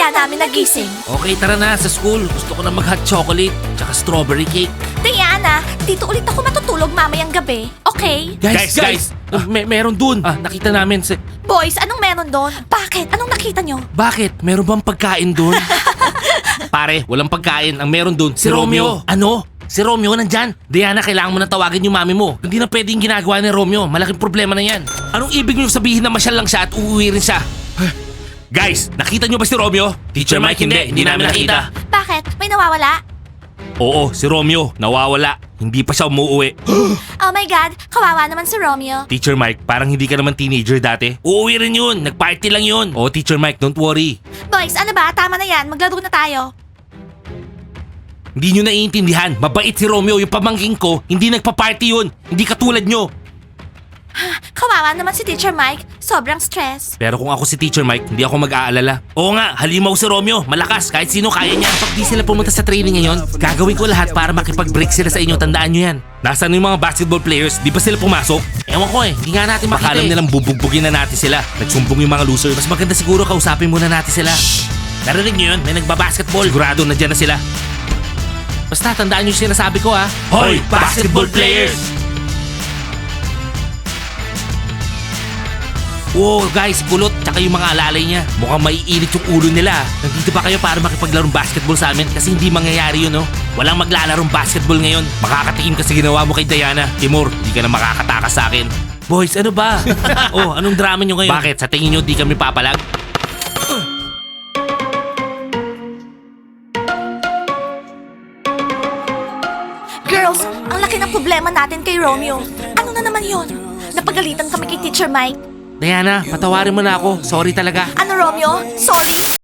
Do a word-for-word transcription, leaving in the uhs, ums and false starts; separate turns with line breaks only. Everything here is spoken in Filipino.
kaya namin nagising.
Okay, tara na sa school. Gusto ko na mag-hot chocolate, tsaka strawberry cake.
Diana, dito ulit ako matutulog mamayang gabi. Okay?
Guys, guys! uh, may, meron dun. Ah, nakita namin si...
Boys, anong meron doon? Bakit? Anong nakita nyo?
Bakit? Meron bang pagkain dun? Pare, walang pagkain. Ang meron dun, si Romeo. Ano? Si Romeo nandyan. Diana, kailangan mo na tawagin yung mami mo. Hindi na pwedeng ginagawa ni Romeo. Malaking problema na yan. Anong ibig niyo sabihin na masyal lang siya at uuwi rin siya? Guys, nakita niyo ba si Romeo? Teacher Mike, hindi. Hindi namin nakita.
Bakit? May nawawala?
Oo, si Romeo. Nawawala. Hindi pa siya umuwi.
Oh my God, kawawa naman si Romeo.
Teacher Mike, parang hindi ka naman teenager dati. Uuwi rin yun. Nag-party lang yun. Oh, Teacher Mike, don't worry.
Boys, ano ba? Tama na yan. Maglaro na tayo.
Hindi nyo naiintindihan. Mabait si Romeo. Yung pamangking ko, hindi nagpa-party yun. Hindi katulad nyo.
Kawawa naman si Teacher Mike. Sobrang stress.
Pero kung ako si Teacher Mike, hindi ako mag-aalala. Oo nga, halimaw si Romeo. Malakas, kahit sino kaya niya. Pag di sila pumunta sa training ngayon, gagawin ko lahat para makipag-break sila sa inyo. Tandaan nyo yan. Nasaan yung mga basketball players? Di ba sila pumasok? Ewan ko eh, hindi nga natin makita. Baka alam nilang bubugbugin na natin sila. Nagsumbong yung mga losers. Mas maganda siguro kausapin muna natin sila. Shhh! Narinig nyo yun? May nagbabasketball. Sigurado na dyan na sila. Basta tandaan nyo yung sinasabi ko ha. Hoy, basketball players! Wow, guys, kulot, tsaka yung mga alalay niya. Mukhang maiinit yung ulo nila. Nandito ba kayo para makipaglarong basketball sa amin? Kasi hindi mangyayari yun, no? Walang maglalarong basketball ngayon. Makakatikim ka sa ginawa mo kay Diana. Timur, di ka na makakatakas sa akin. Boys, ano ba? Oh, anong drama nyo ngayon? Bakit? Sa tingin nyo di kami papalag?
Girls, ang laki ng problema natin kay Romeo. Ano na naman yon? Napagalitan kami kay Teacher Mike.
Diana, patawarin mo na ako. Sorry talaga.
Ano, Romeo? Sorry?